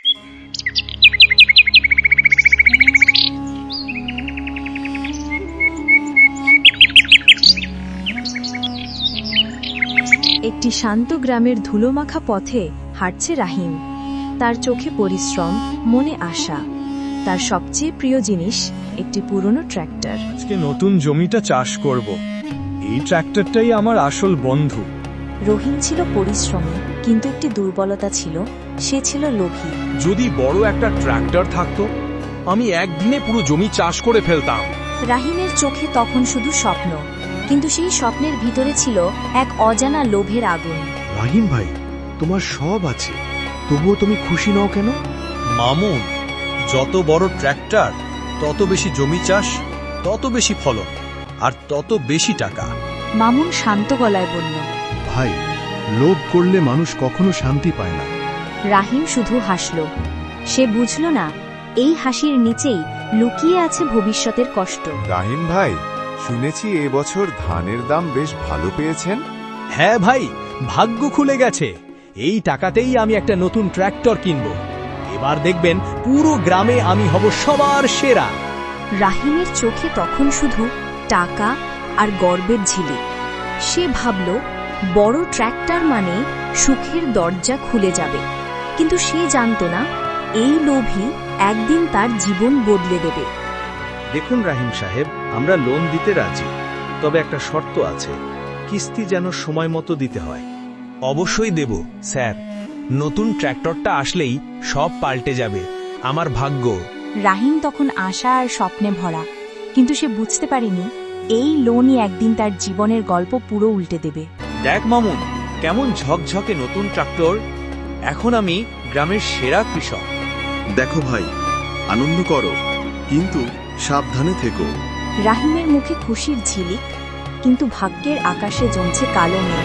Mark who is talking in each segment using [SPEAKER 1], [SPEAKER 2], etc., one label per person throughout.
[SPEAKER 1] একটি শান্ত গ্রামের ধুলোমাখা পথে হাঁটছে রাহিম। তার চোখে পরিশ্রম, মনে আশা। তার সবচেয়ে প্রিয় জিনিস একটি পুরনো ট্র্যাক্টর।
[SPEAKER 2] আজকে নতুন জমিটা চাষ করব। এই ট্র্যাক্টরটাই আমার আসল বন্ধু।
[SPEAKER 1] রহিম ছিল পরিশ্রমী, কিন্তু একটি দুর্বলতা ছিল, সে ছিল লোভী।
[SPEAKER 2] যদি বড় একটা ট্র্যাক্টর থাকতো, আমি একদিনে পুরো জমি চাষ করে ফেলতাম।
[SPEAKER 1] রাহিমের চোখে তখন শুধু স্বপ্ন, কিন্তু সেই স্বপ্নের ভিতরে ছিল এক অজানা লোভের আগুন।
[SPEAKER 3] রাহিম ভাই, তোমার সব আছে, তবুও তুমি খুশি নও কেন?
[SPEAKER 2] মামুন, যত বড় ট্র্যাক্টর, তত বেশি জমি চাষ, তত বেশি ফলন, আর তত বেশি টাকা।
[SPEAKER 1] মামুন শান্ত গলায় বলল।
[SPEAKER 3] ভাই, লোভ করলে মানুষ কখনো শান্তি পায় না।
[SPEAKER 1] রাহিম শুধু হাসল। সে বুঝল না, এই হাসির নিচেই লুকিয়ে আছে ভবিষ্যতের কষ্ট।
[SPEAKER 4] রাহিম ভাই, শুনেছি এবছর ধানের দাম বেশ ভালো পেয়েছেন।
[SPEAKER 2] হ্যাঁ ভাই, ভাগ্য খুলে গেছে। এই টাকাতেই আমি একটা নতুন ট্র্যাক্টর কিনব। এবার দেখবেন পুরো গ্রামে আমি হব সবার সেরা।
[SPEAKER 1] রাহিমের চোখে তখন শুধু টাকা আর গর্বের ঝিলিক। সে ভাবল, বড় ট্র্যাক্টর মানে সুখের দরজা খুলে যাবে। কিন্তু সে জানত না, এই লোভই একদিন তার জীবন বদলে দেবে।
[SPEAKER 5] দেখুন রাহিম সাহেব, আমরা লোন দিতে রাজি, তবে একটা শর্ত আছে, কিস্তি যেন সময় মতো দিতে হয়।
[SPEAKER 2] অবশ্যই দেব স্যার। নতুন ট্র্যাক্টরটা আসলেই সব পাল্টে যাবে। আমার ভাগ্য।
[SPEAKER 1] রাহিম তখন আশা আর স্বপ্নে ভরা, কিন্তু সে বুঝতে পারেনি এই লোনই একদিন তার জীবনের গল্প পুরো উল্টে দেবে।
[SPEAKER 5] দেখ মামুন, কেমন ঝকঝকে নতুন ট্রাক্টর। এখন আমি গ্রামের সেরা কৃষক।
[SPEAKER 3] দেখো ভাই, আনন্দ করো, কিন্তু সাবধানে থেকো।
[SPEAKER 1] রাহিমের মুখে খুশির ঝিলিক, কিন্তু ভাগ্যের আকাশে জমছে কালো মেঘ।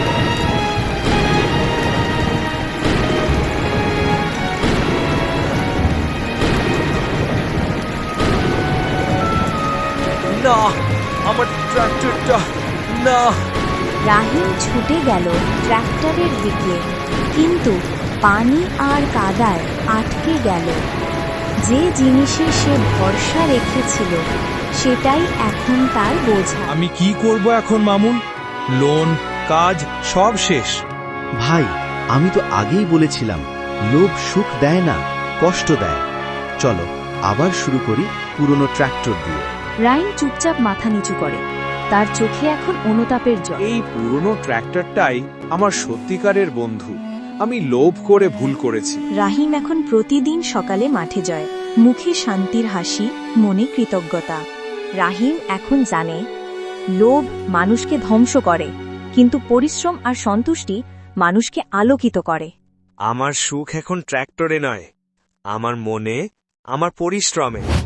[SPEAKER 2] না, আমার ট্র্যাক্টরটা না।
[SPEAKER 1] রাহিম ছুটে গেল ট্র্যাক্টরের দিকে, কিন্তু পানি আর কাদায় আটকে গেল। যে জিনিসে সে ভরসা রেখেছিল, সেটাই এখন তার বোঝা।
[SPEAKER 2] আমি কি করব এখন মামুন? লোন, কাজ সব শেষ।
[SPEAKER 3] ভাই, আমি তো আগেই বলেছিলাম, লোভ সুখ দেয় না, কষ্ট দেয়। চলো আবার শুরু করি পুরনো ট্র্যাক্টর দিয়ে।
[SPEAKER 1] রাহিম চুপচাপ মাথা নিচু করে। তার চোখে এখন অনুতাপের জল।
[SPEAKER 4] এই পুরনো ট্র্যাক্টরটাই আমার সত্যিকারের বন্ধু। আমি লোভ করে ভুল করেছি।
[SPEAKER 1] রাহিম এখন প্রতিদিন সকালে মাঠে যায়, মুখে শান্তির হাসি, মনে কৃতজ্ঞতা। রাহিম এখন জানে, লোভ মানুষকে ধ্বংস করে, কিন্তু পরিশ্রম আর সন্তুষ্টি মানুষকে আলোকিত করে।
[SPEAKER 6] আমার সুখ এখন ট্র্যাক্টরে নয়, আমার মনে, আমার পরিশ্রমে।